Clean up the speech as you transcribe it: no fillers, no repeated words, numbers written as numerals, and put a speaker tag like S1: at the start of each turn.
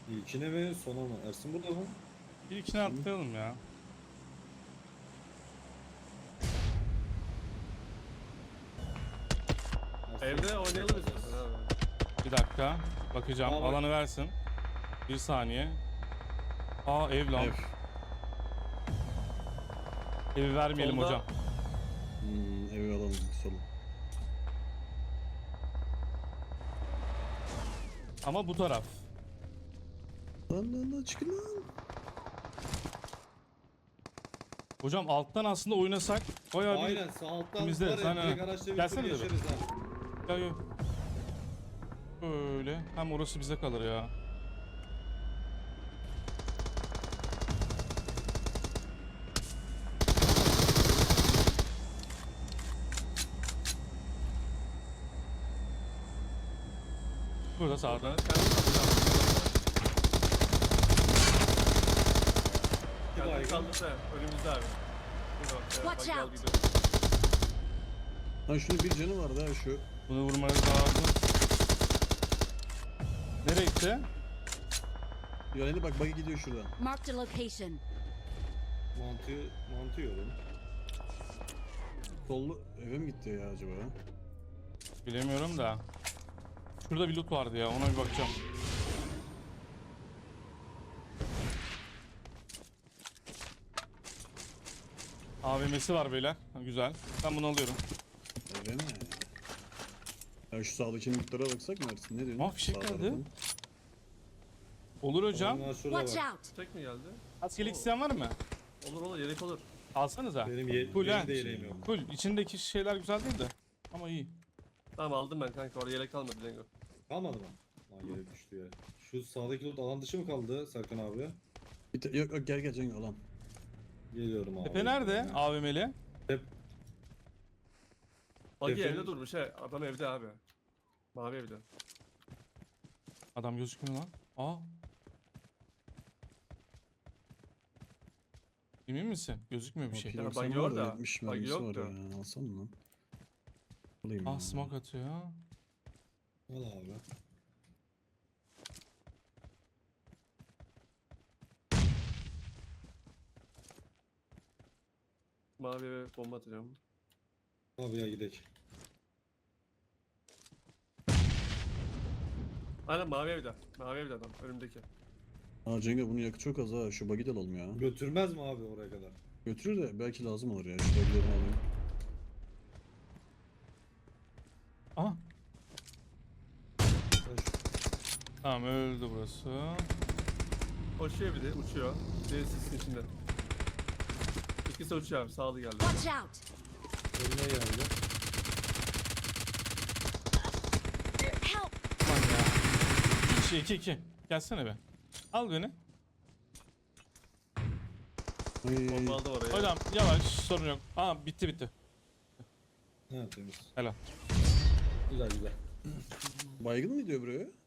S1: İlkine mi sona mı? Ersin burada mı?
S2: İlkini atlayalım ya.
S1: Ersin.
S3: Evde oynayalım istiyorsan abi.
S2: Bir dakika. Bakacağım.
S1: Aa, bak.
S2: Alanı versin. Bir saniye. Aa ev lan.
S4: Ev.
S2: Evi vermeyelim
S3: Solda.
S2: hocam.
S4: Evi alalım solu.
S2: Ama bu taraf.
S4: Lan çıkın lan.
S2: Hocam alttan aslında oynasak bayağı bir...
S1: Aynen sağ alttan
S2: Bizde,
S1: var ya
S2: sen ha.
S1: direkt araçla bir tur
S2: Gelsene de be.
S1: geçeriz ha.
S2: Ya yok. Öyle. Hem orası bize kalır ya. Burada sağda.
S3: Ben kendim kalacağım.
S1: Bir
S3: Kendim
S1: baygın.
S3: kaldım da önümüzde abi. Dur bak,
S5: Watch
S3: bak, gel
S5: out.
S3: gidiyorum.
S4: Lan şunun bir canı vardı ha şu.
S2: Bunu vurmanız lazım. Nereye gitti?
S4: Yani bak buggy gidiyor şuradan.
S5: Marked a location.
S1: Mantı yiyorum.
S4: Sollu eve mi gitti ya acaba?
S2: Bilemiyorum da. Şurada bir loot vardı ya, ona bir bakacağım. AVM'si var beyler. Ha, güzel. Ben bunu alıyorum.
S4: Eve mi? Ya şu sağdaki lootlara baksak mı Ersin? Ne diyorsun?
S2: Aa, fişek
S4: Sağ
S2: geldi.
S4: tarafın.
S2: Olur hocam.
S1: Onlar şurada
S5: Watch
S1: var.
S5: out.
S3: Tek mi geldi?
S2: Askerlik isteyen var mı?
S3: Olur olur, yelek olur.
S2: Alsanıza.
S1: Benim
S2: Full ha.
S1: de yeleğim yok.
S2: Full. İçindeki şeyler güzel değil de. Ama iyi.
S3: Tamam aldım ben kanka, orada yelek kalmadı Lengo.
S1: Kalmadı mı? Lan yere düştü ya. Şu sağdaki loot alan dışı mı kaldı Serkan abi?
S4: Yok gel Cengo alan.
S1: Geliyorum abi.
S2: Tepe nerede? AVM'li.
S3: Buggy
S1: Efendim?
S3: evde durmuş he. Adam evde abi. Mavi evde.
S2: Adam gözükmüyor lan. Aa. Emin misin? Gözükmüyor bir şey.
S4: Bakayım,
S3: buggy
S4: sen var da
S3: orada.
S4: 70
S3: Buggy
S4: mermisi var
S3: yoktu.
S4: ya. Alsana lan. Alayım
S2: Ah,
S4: ya.
S2: smoke atıyor ya.
S1: Al abi.
S3: Mavi eve bomba atacağım.
S1: Abi ya gidelim.
S3: Aynen mavi evde. Mavi evde adam önümdeki.
S4: Aa Cengo bunun yakıtı çok az ha. Şu buggy de alalım ya.
S1: Götürmez mi abi oraya kadar?
S4: Götürür de belki lazım olur ya. Şu buggy'lerini alayım.
S2: Aha.
S1: Ben şu-
S2: Tamam, öldü burası.
S3: Koşuyor bir de uçuyor. Diğeri sisin içinde. İkisi uçuyor abi, sağlı geldi.
S5: Watch out.
S1: Önüne geldi.
S5: Help.
S2: Lan ya. 2-2. Gelsene be. Al beni.
S4: Ay,
S3: Bomba aldım oraya.
S2: Hocam yavaş, sorun yok. Aa, bitti.
S1: Ha temiz.
S2: Helal.
S1: Güzel güzel.
S4: baygın mı diyor buraya?